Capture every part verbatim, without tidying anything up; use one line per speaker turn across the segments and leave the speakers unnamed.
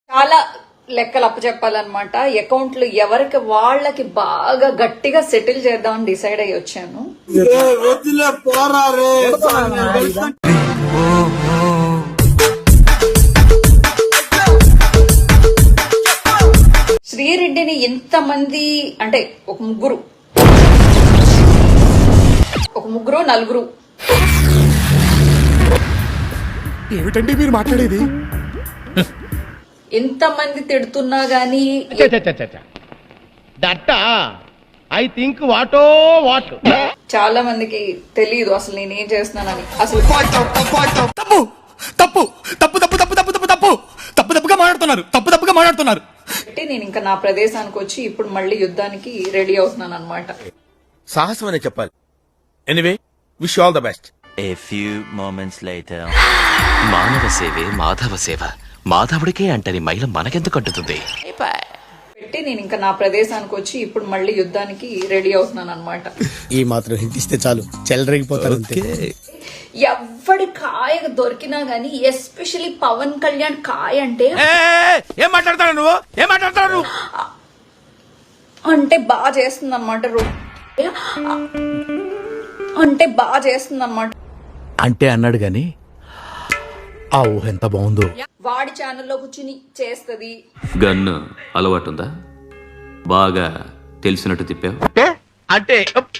చాలా లెక్కలు అప్పచెప్పాలన్నమాట. అకౌంట్లు ఎవరికి వాళ్ళకి బాగా గట్టిగా సెటిల్ చేద్దామని డిసైడ్ అయ్యి వచ్చాను. శ్రీరెడ్డిని ఇంతమంది అంటే ఒక ముగ్గురు ఒక ముగ్గురు నలుగురు
ఏమిటండి మీరు మాట్లాడేది?
ఎంతమంది తిడుతున్నా గానీ
ఐ థింక్ వాటో వాట్
చాలా మందికి తెలియదు అసలు నేనేం చేస్తున్నానని. అసలు
తప్పు తప్పు తప్పు తప్పు తప్పు తప్పు తప్పు తప్పు తప్పు తప్పుగా మాట్లాడుతున్నారు తప్పు తప్పుగా మాట్లాడుతున్నారు
నేను ఇంకా నా ప్రదేశానికి వచ్చి ఇప్పుడు మళ్ళీ యుద్ధానికి రెడీ అవుతున్నాను అనమాట.
సాహసం అనే చెప్పాలి. Anyway wish all the best.
A few moments later. మానవ సేవే మాధవ సేవ. మాధవుడికే అంటని మైల మనకెందుకు అంటుతుంది?
పెట్టి నేను ఇంకా నా ప్రదేశానికి వచ్చి ఇప్పుడు మళ్ళీ యుద్ధానికి రెడీ అవుతున్నాను అనమాట.
ఈ మాత్రం హింట్ ఇస్తే చాలు చెలరేగిపోతారు.
ఎవడి కాయ దొరికినా గానీ ఎస్పెషల్లీ పవన్ కళ్యాణ్ కాయ అంటే
ఏం మాట్లాడతాడు నువ్వు ఏం మాట్లాడతాడు నువ్వు
అంటే బాగా చేస్తుంది అనమాట. అంటే బాగా చేస్తుంది అనమాట.
అంటే అన్నాడు గాని ఆ ఊహ ఎంత బాగుందో.
వాడి ఛానల్లో కూర్చుని చేస్తది.
గన్ను అలవాటుందా? బాగా తెలిసినట్టు తిప్పావు
అంటే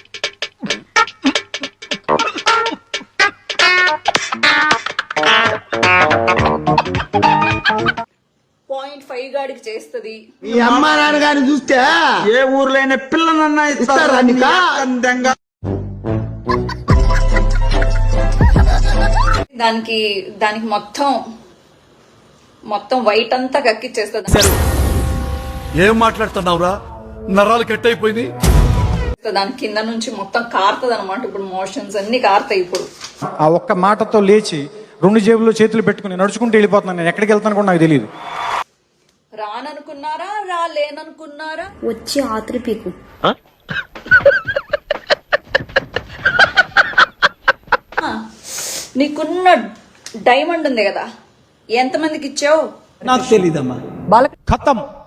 పాయింట్ ఫైవ్ గాడికి చేస్తది.
మీ అమ్మా నాన్న గారిని చూస్తే ఏ ఊర్లో అయినా పిల్లనన్నా ఇస్తారా?
దానికి దానికి మొత్తం మొత్తం వైట్ అంతా కక్కిచ్చేస్తుంది.
ఏం మాట్లాడుతున్నావురా? నరాలు కట్ అయిపోయింది.
దాని కింద నుంచి మొత్తం కారుతుంది అనమాట. ఇప్పుడు మోషన్స్ అన్ని కారుతాయి. ఇప్పుడు
ఆ ఒక్క మాటతో లేచి రెండు జేబుల్లో చేతులు పెట్టుకుని నడుచుకుంటూ వెళ్ళిపోతున్నాను. నేను ఎక్కడికి వెళ్తాను కూడా నాకు తెలియదు.
రాననుకున్నారా రాలేననుకున్నారా
వచ్చి ఆత్రి పీకు.
నీకున్న డైమండ్ ఉంది కదా, ఎంతమందికి ఇచ్చావు?
నాకు తెలీదమ్మా. ఖతం.